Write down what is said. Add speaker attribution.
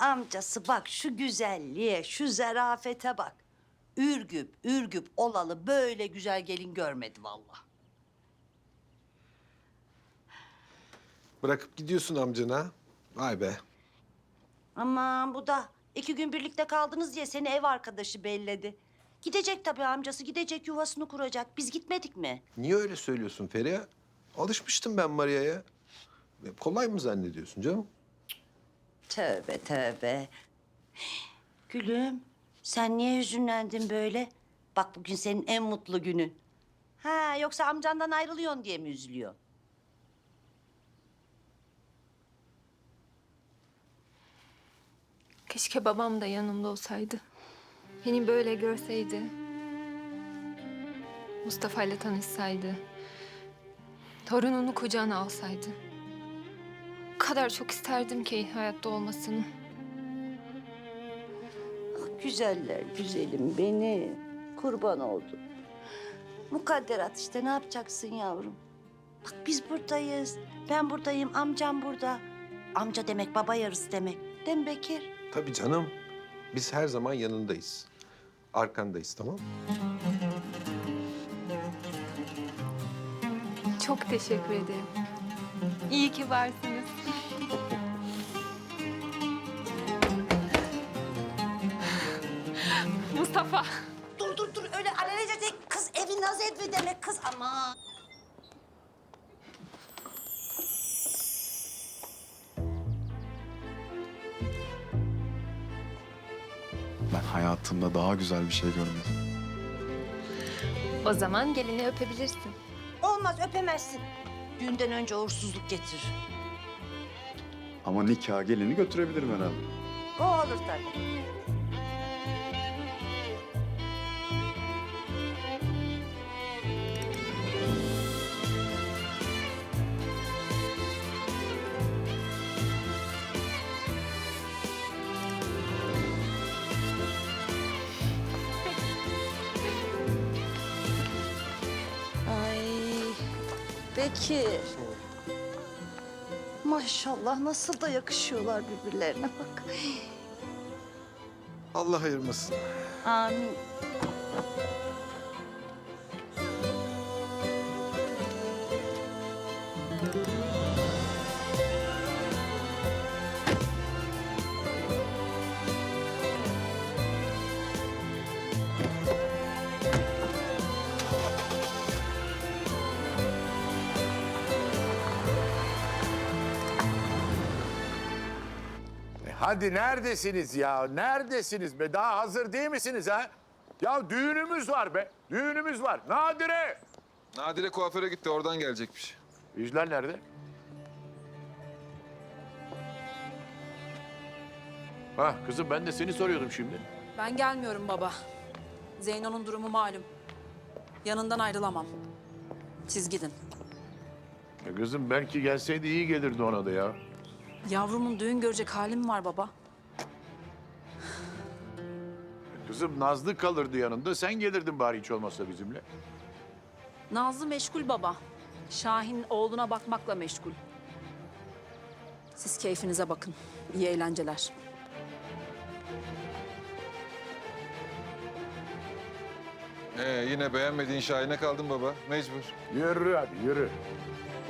Speaker 1: amcası bak şu güzelliğe, şu zarafete bak. Ürgüp, ürgüp olalı böyle güzel gelin görmedi vallahi.
Speaker 2: Bırakıp gidiyorsun amcana. Vay be.
Speaker 1: Aman bu da 2 gün birlikte kaldınız diye seni ev arkadaşı belledi. Gidecek tabii amcası, gidecek yuvasını kuracak. Biz gitmedik mi?
Speaker 2: Niye öyle söylüyorsun Feriha? Alışmıştım ben Maria'ya. Kolay mı zannediyorsun canım?
Speaker 1: Tövbe tövbe. Gülüm, sen niye hüzünlendin böyle? Bak bugün senin en mutlu günün. Ha, yoksa amcandan ayrılıyorsun diye mi üzülüyor?
Speaker 3: Keşke babam da yanımda olsaydı. Beni böyle görseydi. Mustafa ile tanışsaydı. Torununu kucağına alsaydı. O kadar çok isterdim ki hayatta olmasını.
Speaker 1: Ah, güzeller güzelim beni. Kurban oldum. Mukadderat işte, ne yapacaksın yavrum? Bak biz buradayız. Ben buradayım, amcam burada. Amca demek baba yarısı demek. Değil mi Bekir?
Speaker 2: Tabii canım. Biz her zaman yanındayız. Arkandayız, tamam mı?
Speaker 3: Çok teşekkür ederim. İyi ki varsınız. Mustafa.
Speaker 1: Dur öyle alelacele değil. Kız evi naz evi demek kız ama.
Speaker 4: Ben hayatımda daha güzel bir şey görmedim.
Speaker 3: O zaman gelini öpebilirsin.
Speaker 1: Olmaz, öpemezsin. Düğünden önce uğursuzluk getirir.
Speaker 4: Ama nikah gelini götürebilirim herhalde.
Speaker 1: O olur tabii. Ay Bekir. Maşallah nasıl da yakışıyorlar birbirlerine bak.
Speaker 2: Allah ayırmasın.
Speaker 1: Amin.
Speaker 5: Hadi neredesiniz ya? Neredesiniz be? Daha hazır değil misiniz ha? Ya düğünümüz var be. Düğünümüz var. Nadire!
Speaker 2: Nadire kuaföre gitti, oradan gelecekmiş.
Speaker 5: Yüzler nerede? Ha kızım ben de seni soruyordum şimdi.
Speaker 6: Ben gelmiyorum baba. Zeyno'nun durumu malum. Yanından ayrılamam. Siz gidin.
Speaker 5: Kızım belki gelseydi iyi gelirdi ona da ya.
Speaker 6: Yavrumun düğün görecek halim var baba.
Speaker 5: Kızım Nazlı kalırdı yanında. Sen gelirdin bari hiç olmazsa bizimle.
Speaker 6: Nazlı meşgul baba. Şahin oğluna bakmakla meşgul. Siz keyfinize bakın. İyi eğlenceler.
Speaker 2: Yine beğenmediğin Şahin'e kaldın baba. Mecbur.
Speaker 5: Yürü hadi yürü.